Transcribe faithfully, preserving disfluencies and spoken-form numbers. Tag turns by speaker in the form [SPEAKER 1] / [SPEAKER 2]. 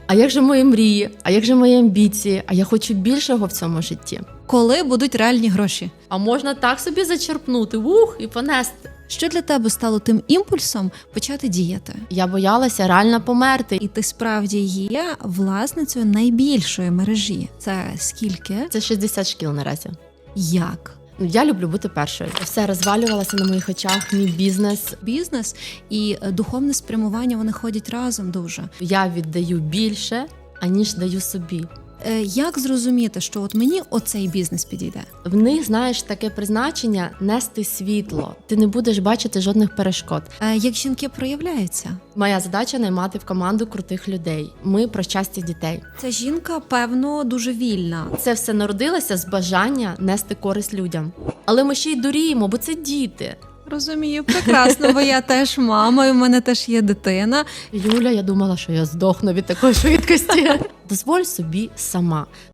[SPEAKER 1] А як же мої мрії? А як же мої амбіції? А я хочу більшого в цьому житті.
[SPEAKER 2] Коли будуть реальні гроші?
[SPEAKER 1] А можна так собі зачерпнути, ух, і понести.
[SPEAKER 2] Що для тебе стало тим імпульсом почати діяти?
[SPEAKER 1] Я боялася реально померти.
[SPEAKER 2] І ти справді є власницею найбільшої мережі. Це скільки?
[SPEAKER 1] Це шістдесят шкіл наразі.
[SPEAKER 2] Як?
[SPEAKER 1] Ну, я люблю бути першою. Все розвалювалося на моїх очах, мій бізнес.
[SPEAKER 2] Бізнес і е, духовне спрямування, вони ходять разом дуже.
[SPEAKER 1] Я віддаю більше, аніж даю собі.
[SPEAKER 2] Е, Як зрозуміти, що от мені оцей бізнес підійде?
[SPEAKER 1] В них, знаєш, таке призначення – нести світло. Ти не будеш бачити жодних перешкод.
[SPEAKER 2] Е, Як жінки проявляються?
[SPEAKER 1] Моя задача – наймати в команду крутих людей. Ми про щастя дітей.
[SPEAKER 2] Ця жінка, певно, дуже вільна.
[SPEAKER 1] Це все народилося з бажання нести користь людям. Але ми ще й дуріємо, бо це діти.
[SPEAKER 2] Розумію, прекрасно, бо я теж мама, і в мене теж є дитина.
[SPEAKER 1] Юля, я думала, що я здохну від такої швидкості. Дозволь собі сама.